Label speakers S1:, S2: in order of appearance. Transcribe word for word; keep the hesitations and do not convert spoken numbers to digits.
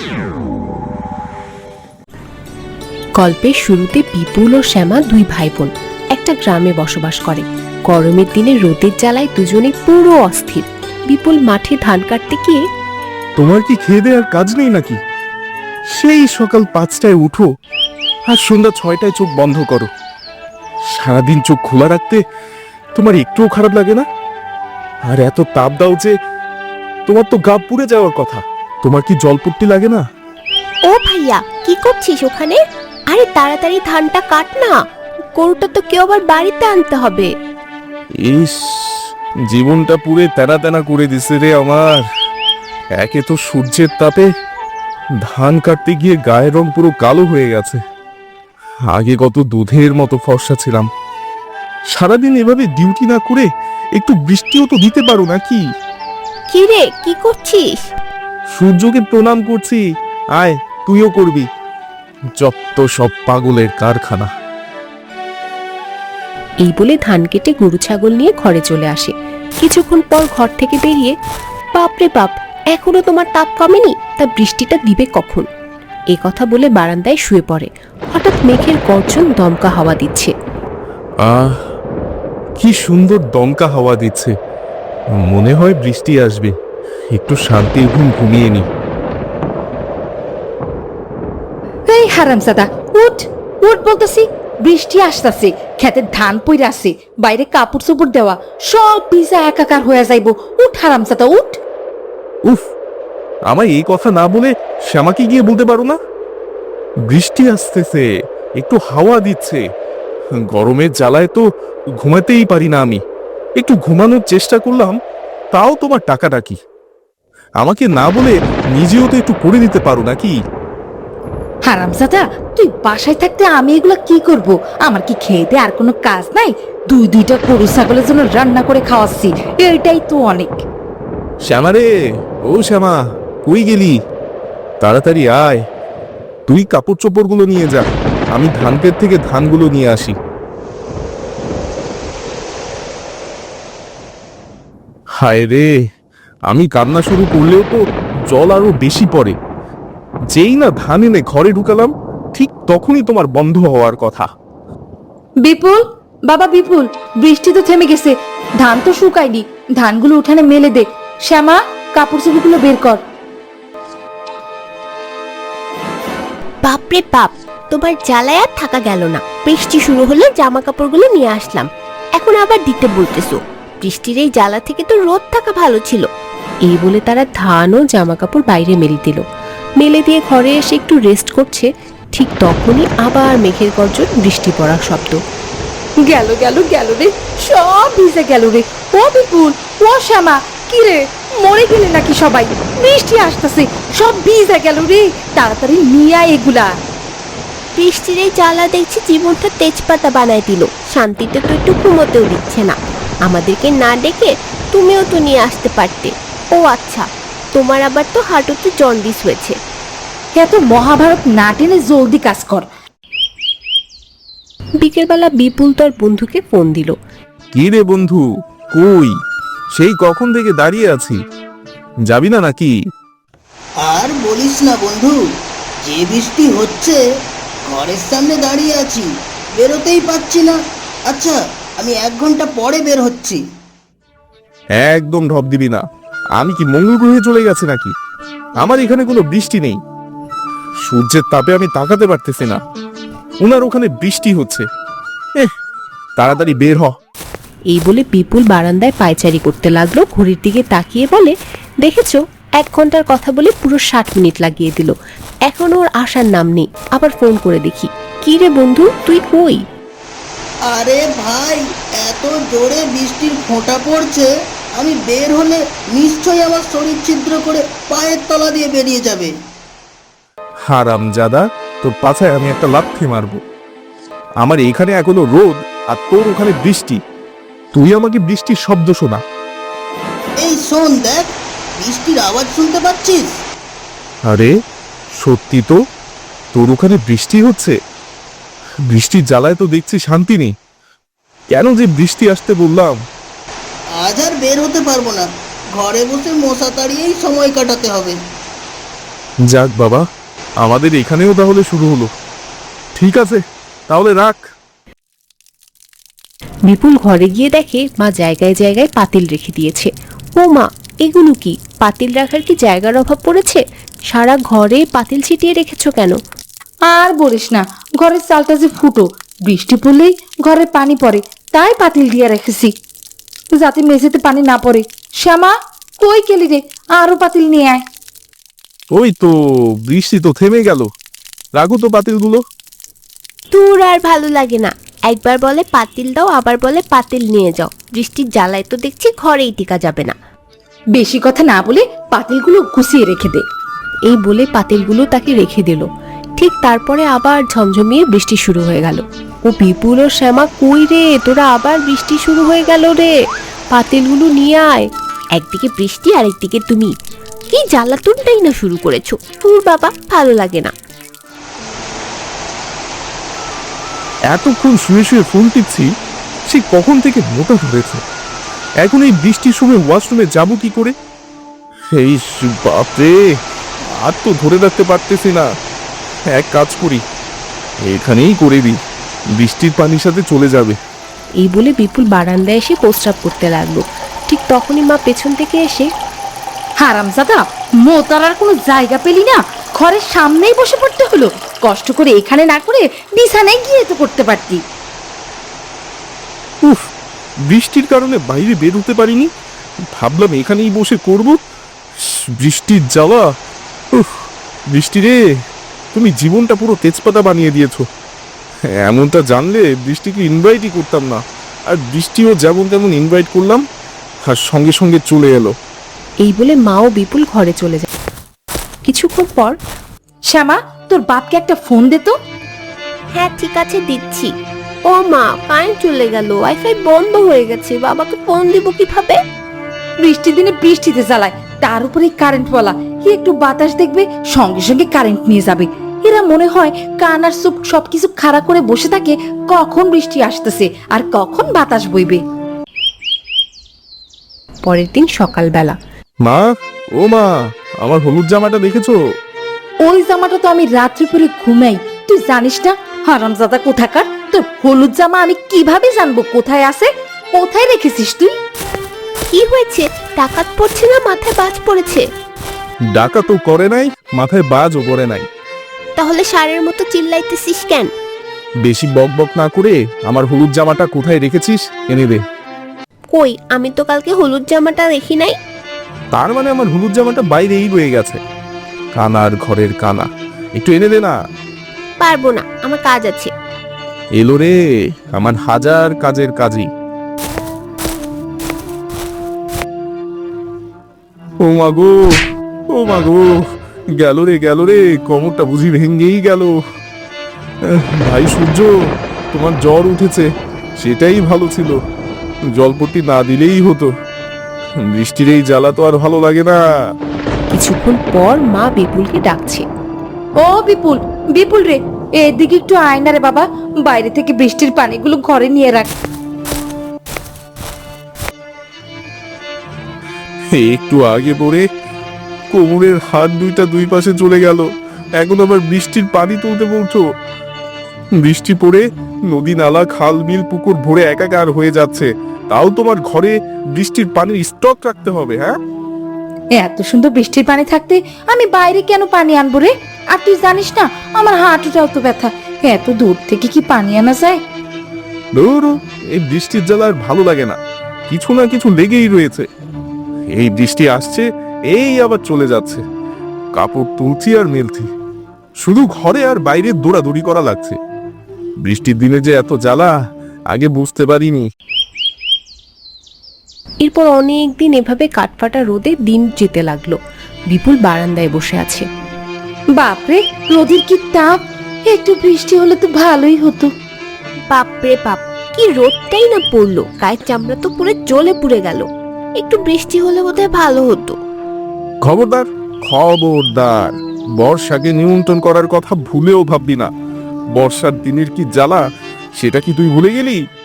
S1: গল্পের শুরুতে বিপুল ও শ্যামা দুই ভাই বোন একটা গ্রামে বসবাস করে। গরমের দিনে রোদের জ্বালায় দুজনে পুরো অস্থির। বিপুল মাঠে ধান কাটতে গিয়ে,
S2: তোমার কি খেয়ে দেওয়ার কাজ নেই নাকি? সেই সকাল পাঁচটায় উঠো আর সন্ধ্যা ছয়টায় চোখ বন্ধ করো। সারাদিন চোখ খোলা রাখতে তোমার একটুও খারাপ লাগে না? আর এত তাপ দাও যে তোমার তো গা পুড়ে যাওয়ার কথা। তোমার কি জলপট্টি লাগে না?
S1: ও ভাইয়া, কি করছিস ওখানে? আরে তাড়াতাড়ি ধানটা কাট না, গরুটা তো কেউ আবার বাড়িতে আনতে হবে।
S2: ইস, জীবনটা পুরে তেনা তেনা করে দিছে রে আমার। একে তো সূর্যের তাপে ধান কাটতে গিয়ে গায়ের রং পুরো কালো হয়ে গেছে। আগে কত দুধের মতো ফর্সা ছিলাম। সারাদিন এভাবে ডিউটি না করে একটু বৃষ্টিও তো দিতে পারো নাকি?
S1: কি রে, কি করছিস?
S2: সূর্যকে প্রণাম করছি, আয় তুইও করবি। যত সব পাগলের কারখানা।
S1: এই বলে ধান কেটে গরু ছাগল নিয়ে ঘরে চলে আসে। কিছুক্ষণ পর ঘর থেকে বেরিয়ে, বাপরে বাপ, এখনো তোমার তাপ কমেনি, তা বৃষ্টিটা দিবে কখন? এ কথা বলে বারান্দায় শুয়ে পড়ে। হঠাৎ মেঘের গর্জন দমকা হাওয়া দিচ্ছে।
S2: আহ, কি সুন্দর দমকা হাওয়া দিচ্ছে। মনে হয় বৃষ্টি আসবে। একটু শান্তির ঘুম ঘুমিয়ে নি।
S3: এই হারামজাদা, উঠ উঠ বলতেছি। বৃষ্টি আসতেছে, খেতের ধান পইরা আছে, বাইরে কাপড় চোপড় দেওয়া, সব ভিজা একাকার হয়ে যাইব। উঠ হারামজাদা, উঠ।
S2: উফ, আমায় এই কথা না বলে শ্যামাকে গিয়ে বলতে পারো না? বৃষ্টি আসতেছে, একটু হাওয়া দিচ্ছে। গরমের জ্বালায় তো ঘুমাতেই পারি না আমি। একটু ঘুমানোর চেষ্টা করলাম, তাও তোমার টাকাটা কি? আমাকে না বলে নিজেও তো একটু করে নিতে পারো নাকি?
S3: হারামজাদা, তুই বাসায় থাকতে আমি এগুলা কি করব? আমার কি খেয়ে দে আর কোনো কাজ নাই? দুই দুইটা গরু ছাগলের জন্য রান্না করে খাওয়াচ্ছি, এইটাই তো অনেক।
S2: শ্যামা রে, ও শ্যামা, কই গেলি? তাড়াতাড়ি আয়। তুই কাপড় চোপড় গুলো নিয়ে যা, আমি ধান ক্ষেত থেকে ধানগুলো নিয়ে আসি। হায় রে, আমি কান্না শুরু করলেও তো জল আরো বেশি পড়ে। যেই না ধান এনে ঘরে ঢুকালাম, ঠিক তখনই তোমার বন্ধ হওয়ার কথা।
S3: বিপুল, বাবা বিপুল, বৃষ্টি তো থেমে গেছে, ধান তো শুকায়নি, ধানগুলো উঠানে মেলে দে। শ্যামা, কাপড় চোপড়গুলো বের কর।
S1: বাপরে বাপ, তোমার জ্বালায় আর থাকা গেল না। বৃষ্টি শুরু হলে জামা কাপড়গুলো নিয়ে আসলাম, এখন আবার দিতে বলতেছো? বৃষ্টির এই জ্বালা থেকে তো রোদ থাকা ভালো ছিল। এই বলে তারা ধান ও জামা কাপড় বাইরে মেলে দিল। মেলে দিয়ে ঘরে এসে একটু রেস্ট করছে, ঠিক তখনই আবার মেঘের গর্জন, বৃষ্টি পড়ার শব্দ।
S3: গেল গেল গেল রে, সব ভিজে গেল রে। ও বিপুল, ও শ্যামা, কি রে, মরে গেলে নাকি সবাই? বৃষ্টি আসতেছে, সব ভিজে গেল রে, তাড়াতাড়ি নিয়ে আয় এগুলা।
S1: বৃষ্টির এই জ্বালা দেখছি জীবনটা তেজপাতা বানায় দিল। শান্তিতে তো একটু ঘুমোতেও দিচ্ছে না। আমাদেরকে না ডেকে তুমিও তো নিয়ে আসতে পারতে। ও আচ্ছা, তোমার আবার তো হাঁটুতে জন্ডিস হয়েছে।
S3: এত মহাভারত না টেনে জলদি কাজ কর।
S1: বিকেলবেলা বিপুল তার বন্ধুকে ফোন দিল।
S2: কি রে বন্ধু, কই? সেই কখন থেকে দাঁড়িয়ে আছি, যাবি না নাকি?
S4: আর বলিস না বন্ধু, যে বৃষ্টি হচ্ছে, ঘরের সামনে দাঁড়িয়ে আছি, বেরোতেই পাচ্ছি না। আচ্ছা, আমি এক ঘন্টা পরে বের হচ্ছি।
S2: একদম ঢপ দিবি না। আমি কি মঙ্গল গ্রহে চলে গেছে নাকি? আমার এখানে কোনো বৃষ্টি নেই। সূর্যের তাপে আমি তাকাতে পারতেছি না, ওনার ওখানে বৃষ্টি হচ্ছে। এহ, তাড়াতাড়ি বের হ।
S1: এই বলে বিপুল বারান্দায় পায়চারি করতে লাগলো। ঘড়ির দিকে তাকিয়ে বলে, দেখেছো, এক ঘন্টার কথা বলে পুরো ষাট মিনিট লাগিয়ে দিল। এখনো ওর আসার নাম নেই। আবার ফোন করে দেখি। কি রে বন্ধু, তুই কই?
S4: আরে ভাই, এত জোরে বৃষ্টির ফোঁটা পড়ছে, আমি বের হলে নিশ্চয়ই আমার শরীর ছিদ্র করে পায়ের তলা দিয়ে বেরিয়ে যাবে।
S2: হারামজাদা, তোর পাছায় আমি একটা লাথি মারবো। আমার এখানে এখনো রোদ আর তোর ওখানে বৃষ্টি। তুই আমাকে বৃষ্টির শব্দ শোনা।
S4: এই শোন, দেখ, বৃষ্টির আওয়াজ শুনতে পাচ্ছিস?
S2: আরে সত্যি তো, তোর ওখানে বৃষ্টি হচ্ছে। বৃষ্টির জ্বালায় তো দেখছি শান্তি নেই। কেন যে বৃষ্টি আসতে বললাম।
S4: আজ আর বের হতে পারবো না, ঘরে বসে মশা তাড়িয়েই সময় কাটাতে হবে।
S2: যাক বাবা, আমাদের এখানেও তাহলে শুরু হলো। ঠিক আছে, তাহলে রাখ।
S1: বিপুল ঘরে গিয়ে দেখে মা জায়গায় জায়গায় পাতিল রেখে দিয়েছে। ও মা, এগুলো কি? পাতিল রাখার কি জায়গার অভাব পড়েছে? সারা ঘরে পাতিল ছিটিয়ে রেখেছো কেন?
S3: আর বলিস না, ঘরের চালটা যে ফুটো, বৃষ্টি পড়লেই ঘরে পানি পড়ে, তাই পাতিল দিয়ে রেখেছি যাতে মেঝেতে পানি না পড়ে। শ্যামা, কই গেলি রে? আরো পাতিল নিয়ে আয়।
S2: ওই তো, বৃষ্টি তো থেমে গেল। রাখো তো পাতিলগুলো।
S1: তোর আর ভালো লাগে না, একবার বলে পাতিল দাও, আবার বলে পাতিল নিয়ে যাও। বৃষ্টির জ্বালায় তো দেখছি ঘরেই টিকা যাবে না।
S3: বেশি কথা না বলে পাতিলগুলো গুছিয়ে রেখে দে।
S1: এই বলে পাতিলগুলো তাকে রেখে দিল। ঠিক তারপরে আবার ঝমঝমিয়ে বৃষ্টি শুরু হয়ে গেল। ও বিপুল ও শ্যামা, কই রে তোরা? আবার বৃষ্টি শুরু হয়ে গেল রে, পাতিলগুলো নিয়ে আয়। একদিকে বৃষ্টি আর একদিকে তুমি, কি জ্বালাতনটাই না শুরু করেছো। তোর বাবা, ভালো লাগে না।
S2: এতক্ষণ শুয়ে শুয়ে ফোন টিপছি, সে কখন থেকে মোটা ধরেছে। এখন এই বৃষ্টির সময় ওয়াশরুমে যাবো কি করে? এই স- বাপরে, আর তো ধরে রাখতে পারতেছি না। এক কাজ করি, এখানেই করে দিই, বৃষ্টির পানির সাথে চলে যাবে।
S1: এই বলে বিপুল বারান্দায় এসে প্রস্রাব করতে লাগলো। ঠিক তখনই মা পেছন থেকে এসে,
S3: হারামজাদা, মোতারার কোনো জায়গা পেলি না? ঘরের সামনেই বসে পড়তে হলো। কষ্ট করে এখানে না করে বিছানায় গিয়ে তো করতে পারতি।
S2: উফ, বৃষ্টির কারণে বাইরে বের হতে পারিনি, ভাবলাম এখানেই বসে করব। বৃষ্টির জ্বালা, উফ, বৃষ্টি রে, তুমি জীবনটা পুরো তেজপাতা বানিয়ে দিয়েছো। এমনটা জানলে বৃষ্টিকে ইনভাইটই করতাম না। আর বৃষ্টিও যেমন তেমন ইনভাইট করলাম, আর সঙ্গে সঙ্গে চলে এলো।
S1: এই বলে মা ও বিপুল ঘরে চলে যায়। কিছুক্ষণ পর,
S3: শ্যামা, তোর বাপকে একটা ফোন দে তো।
S1: হ্যাঁ ঠিক আছে, দিচ্ছি। ও মা, কারেন্ট চলে গেল, ওয়াইফাই বন্ধ হয়ে গেছে, বাবাকে ফোন দিব কিভাবে?
S3: বৃষ্টির দিনে বৃষ্টিতে জ্বালায়, তার উপরে কারেন্ট বলা, কি একটু বাতাস দেখবে সঙ্গে সঙ্গে কারেন্ট নিয়ে যাবে। এরা মনে হয় কান আর চোখ সবকিছু খাড়া করে বসে থাকে, কখন বৃষ্টি আসতেছে আর কখন বাতাস বইবে।
S1: পরের দিন সকালবেলা,
S2: মা, ও মা, আমার হলুদ জামাটা দেখেছো?
S3: ওই জামাটা তো আমি রাত্রি পরে ঘুমাই, তুই জানিস না? হারামজাদা কোথাকার, তোর হলুদ জামা আমি কিভাবে জানবো কোথায় আছে? কোথায় রেখেছিস তুই?
S1: কি হয়েছে? ডাকাত পড়ছে না মাথায় বাজ পড়েছে?
S2: ডাকা তো করে নাই, মাথায় বাজও পড়ে নাই।
S1: তাহলে ষাঁড়ের মতো চিল্লাইতেছিস কেন?
S2: বেশি বক বক না করে আমার হলুদ জামাটা কোথায় রেখেছিস এনে দে।
S1: কই, আমি তো কালকে হলুদ জামাটা দেখি নাই।
S2: তার মানে আমার হলুদ জামাটা বাইরেই রয়ে গেছে। কানার ঘরের কানা, একটু এনে দে না।
S1: পারবো না, আমার কাজ আছে।
S2: এলো রে আমার হাজার কাজের কাজী। ও মাগো, ও মাগো, গেল রে গেল রে, কোমরটা বুঝি ভেঙ্গেই গেল। আহ, ভাই সূর্য, তোমার জ্বর উঠেছে, সেটাই ভালো ছিল, জলপট্টি না দিলেই হতো। বৃষ্টির এই জ্বালা তো আর ভালো লাগে না।
S1: কিছুক্ষণ পর মা বিপুলকে ডাকছে।
S3: ও বিপুল, বিপুল রে, এদিকে একটু আয় না রে বাবা, বাইরে থেকে বৃষ্টির পানিগুলো ঘরে নিয়ে রাখ।
S2: একটু আগে পড়ে কোমরের হাত দুইটা দুই পাশে চলে গেল, এখন আবার বৃষ্টির পানি তুলতে বলছো? বৃষ্টি পড়ে নদী নালা খাল বিল পুকুর ভরে একাকার হয়ে যাচ্ছে, তাও তোমার ঘরে বৃষ্টির পানির স্টক রাখতে হবে? হ্যাঁ,
S3: এত সুন্দর বৃষ্টির পানি থাকতে আমি বাইরে কেন পানি আনবো রে? আর তুই জানিস না আমার হাঁটুটাও তো ব্যথা, এত দূর থেকে কি পানি আনা যায়?
S2: ধুর, এই বৃষ্টির জ্বালা আর ভালো লাগে না, কিছু না কিছু লেগেই রয়েছে। এই বৃষ্টি আসছে, এই আবার চলে যাচ্ছে, কাপড় তুলছি আর মেলছি, শুধু ঘরে আর বাইরে দৌড়াদৌড়ি করা লাগছে। বৃষ্টির দিনে যে এত জ্বালা আগে বুঝতে পারিনি।
S1: এরপর অনেক দিন এভাবে কাঠফাটা রোদে দিন যেতে লাগলো। বিপুল বারান্দায় বসে আছে।
S3: বাপরে, রোদের কি তাপ! একটু বৃষ্টি হলে তো ভালোই হতো।
S1: বাপরে বাপ, কি রোদটাই না পড়লো, গায়ের চামড়া তো পুরো জ্বলে পুড়ে গেল। একটু বৃষ্টি হলে বোধহয় ভালো হতো।
S2: খবরদার, খবরদার, বর্ষাকে নিয়ন্ত্রণ করার কথা ভুলেও ভাববি না। বর্ষার দিনের কি জ্বালা সেটা কি তুই ভুলে গেলি?